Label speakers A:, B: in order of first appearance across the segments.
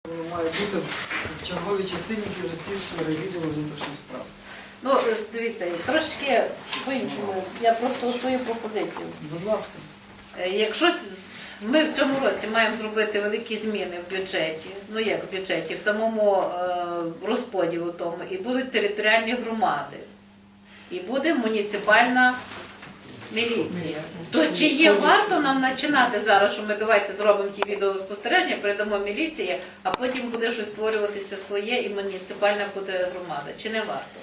A: Воно має бути в черговій частині Ківерцівського райвідділу внутрішніх справ.
B: Ну, дивіться, трошки по-іншому. Я просто свою пропозицію.
A: Будь ласка.
B: Якщо ми в цьому році маємо зробити великі зміни в бюджеті, ну як в бюджеті, в самому розподілу тому, і будуть територіальні громади, і буде муніципальна міліція, то чи є варто нам починати зараз, що ми давайте зробимо ті відеоспостереження, передамо міліції, а потім буде щось створюватися своє і муніципальна буде громада, чи не варто?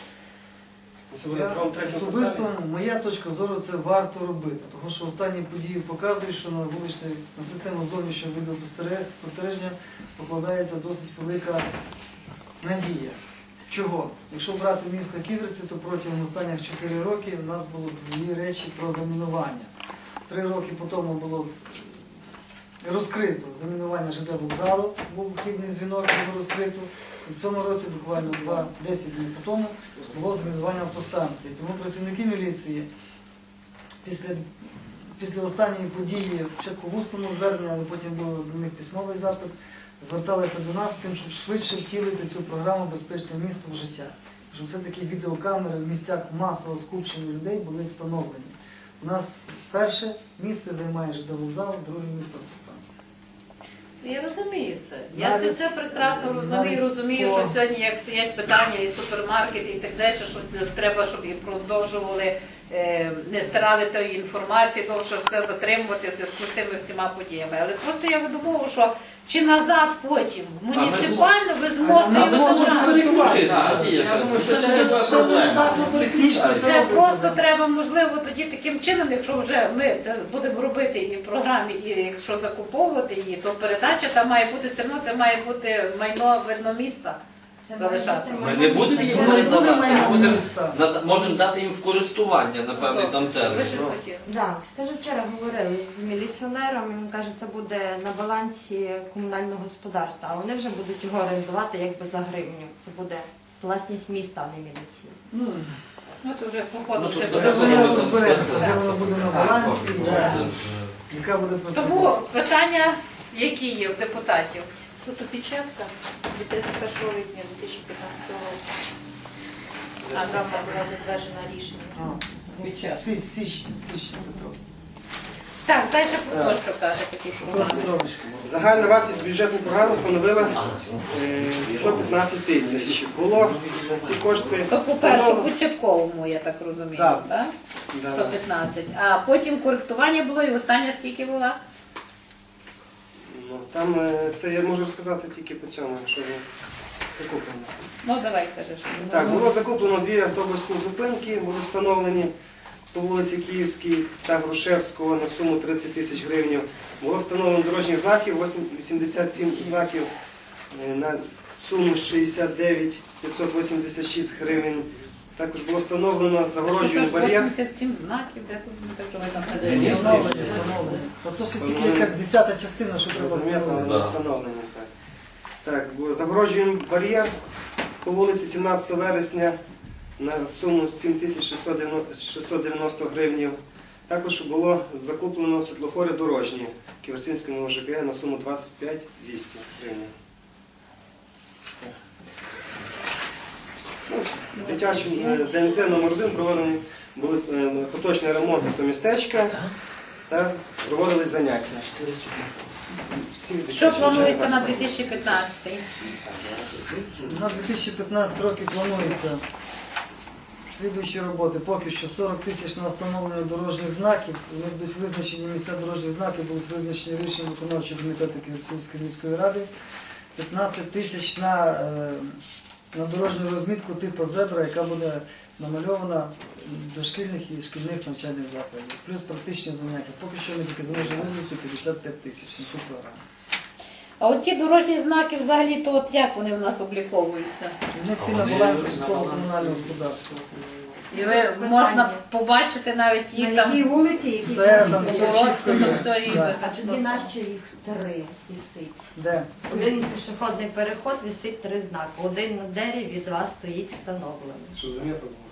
A: Особисто моя точка зору, це варто робити, тому що останні події показують, що на систему зовнішнього відеоспостереження покладається досить велика надія. Чого? Якщо брати місто Ківерці, то протягом останніх 4 роки в нас було дві речі про замінування. 3 роки по тому було розкрито замінування ЖД вокзалу, був хибний дзвінок, було розкрито. І в цьому році, буквально 10 днів по тому, було замінування автостанції. Тому працівники міліції після останньої події, спочатку в усному зверненні, але потім був до них письмовий запит, зверталися до нас з тим, щоб швидше втілити цю програму «Безпечне місто» в життя. Щоб все-таки відеокамери в місцях масового скупчення людей були встановлені. У нас перше місце займає ЖД вокзал, друге місце автостанція.
B: Я розумію це. Я це все прекрасно розумію, що сьогодні, як стоять питання і супермаркети, і так далі, що треба, щоб і продовжували, не стирали тої інформації, тому що все затримувати в зв'язку з тими всіма подіями. Але просто я веду мову, що чи назад потім, муніципально ви зможете його забрати. Це просто треба, можливо, тоді таким чином, якщо вже ми це будемо робити і в програмі, і якщо закуповувати її, то передача там має бути, все одно це має бути майно видно міста. Залишатися.
C: Ми не будемо їм передавати, можемо дати їм в користування на певний там термін.
D: Так, скажу, вчора говорили з міліціонером, він каже, це буде на балансі комунального господарства, а вони вже будуть його орендувати якби за гривню. Це буде власність міста, а не міліції.
B: Ну, то вже походу
A: Це вже розбереться, де воно буде на балансі, яка буде процедура.
B: Тому питання, які є в депутатів?
E: Тут опечатка від 31 липня 2015 року. Програма була затверджена рішенням.
A: Січні, Петро.
B: Так, далі про що каже Петро?
F: Загальна вартість бюджетної програми становила 115 тисяч. Було ці кошти
B: То по першому початковому, я так розумію,
F: Так.
B: так? 115. А потім коректування було і остання скільки була?
F: Там це я можу розказати тільки по цьому, що закуплено.
B: Ну, давай кажеш.
F: Так, було закуплено 2 автобусні зупинки, були встановлені по вулиці Київській та Грушевського на суму 30 тисяч гривень. Було встановлено дорожніх знаків, 87 знаків на суму 69 586 гривень. Також було встановлено загороджуємо бар'єр.
B: 87 знаків, де тут не так, що ми там
A: Встановлені. Тобто ще тільки якась 10-та частина, що треба встановлення.
F: Встановлені. Так, загороджуємо бар'єр по вулиці 17 вересня на суму 7690 гривень. Також було закуплено світлофори дорожні в Ківерцівському ОЖК на суму 25 200 гривень. Дитячим ДНЦ номер 1 проведені були поточні ремонти автомістечка та проводились заняття.
B: Що планується на 2015?
A: На 2015 роки планується слідуючі роботи. Поки що 40 тисяч на встановлення дорожніх знаків. Вони будуть визначені, місця дорожніх знаків будуть визначені рішенням виконавчого комітету Ківерцівської міської ради. 15 тисяч на дорожню розмітку типу зебра, яка буде намальована в дошкільних і шкільних навчальних закладів. Плюс практичні заняття. Поки що ми тільки зможемо виділити 55 тисяч на цю програму.
B: А от ті дорожні знаки взагалі, то от як вони в нас обліковуються?
A: Вони всі на балансі житлово-комунального господарства.
B: І ви можна побачити навіть їх
D: На якій
B: там
D: вулиці, які
A: Все там все
B: коротко,
A: чітко.
B: то все і
A: Да.
D: а
B: визначено.
D: тоді нащо їх 3 висить?
A: Де?
D: Один пішохідний переход висить 3 знаки. Один на дереві, 2 стоїть встановлений.
F: Щоб замітно було.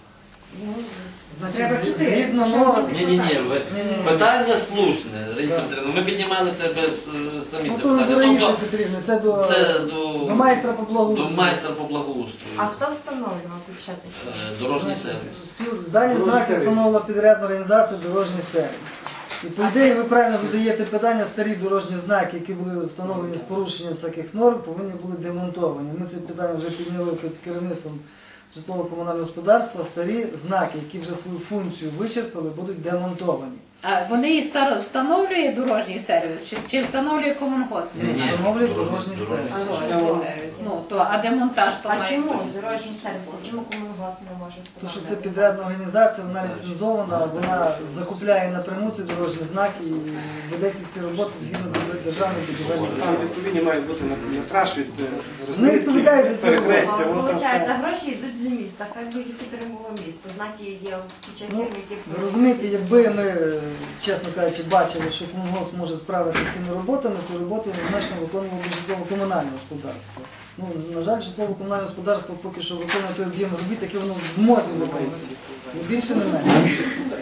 A: Значить,
D: Треба 4.
A: згідно норм,
C: Ні. Питання слушне, Раїса Петрівна. Ми піднімали це без самі
A: ну
C: це
A: то не до
C: питання.
A: Раїси
C: Тобто
A: Петрівни, це до
C: це
A: майстра по
C: до
A: благоустрою.
C: майстра по благоустрою.
D: А хто встановлював тут ще таке?
C: Дорожній сервіс.
A: Дані
F: Дорожній
A: знаки
F: сервіс.
A: встановила підрядна організація «Дорожній сервіс». І по ідеї ви правильно задаєте питання, старі дорожні знаки, які були встановлені з порушенням всяких норм, повинні були демонтовані. Ми це питання вже підняли під керівництвом житлово-комунального господарства. Старі знаки, які вже свою функцію вичерпали, будуть демонтовані.
B: А вони і встановлює дорожній сервіс чи встановлює комунгосп?
C: Ні,
A: Встановлює
C: дорожній
A: дорожній сервіс.
B: Дорожній сервіс. Ну, то, а демонтаж то
D: А
B: має
D: чому
B: бути.
D: дорожній сервіс? Чому комунгосп не може
A: Тому що це
D: встановлювати?
A: підрядна організація, вона ліцензована, вона закупляє напряму ці дорожні знаки і веде ці всі роботи згідно державної будівельної.
F: Там відповідні мають бути метраж від
A: Вони відповідають за це.
F: перехрестя, воно там все.
D: Виходить, гроші йдуть з міста, хай би їх підтримувало місто. Знаки є в куча
A: Ну,
D: фірм, які
A: ви розумієте, якби ми, чесно кажучи, бачили, що комунгосп може справитися з цими роботами, ці роботи однозначно виконувало би житлово-комунальне господарство. Ну, на жаль, житлово-комунальне господарство поки що виконує той об'єм робіт, який воно в змозі виконувати. Ні більше, не менше.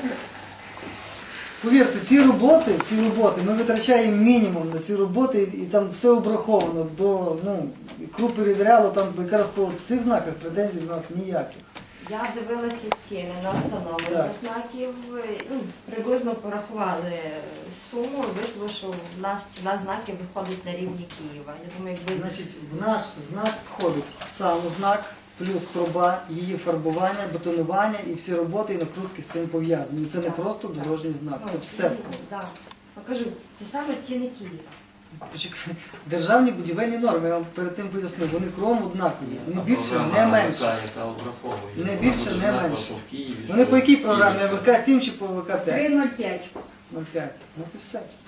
A: Повірте, ці роботи, ми витрачаємо мінімум на ці роботи, і там все обраховано до кру перевіряло, там якраз по цих знаках претензій до нас ніяких.
D: Я дивилася ціни на встановлення
A: Так.
D: знаків, приблизно порахували суму, вийшло, що в нас ціна знаків виходить на рівні Києва. Я думаю, якби
A: Значить, в наш знак входить сам знак, плюс труба, її фарбування, бетонування і всі роботи і накрутки з цим пов'язані. Це не просто дорожній знак, це все.
D: Так. Я кажу, це саме ціни Києва.
A: Почекайте, державні будівельні норми, я вам перед тим пояснив, вони кругом однакові, не більше, не менше.
C: Яка обраховує.
A: Не більше,
C: Вона
A: не
C: буде
A: менше.
C: знакова в Києві,
A: Вони
C: що
A: по якій
C: в
A: програмі?
C: Києві це.
A: АВК 7 чи по АВК 5?
E: 3,05.
A: 0,5. Ну це все.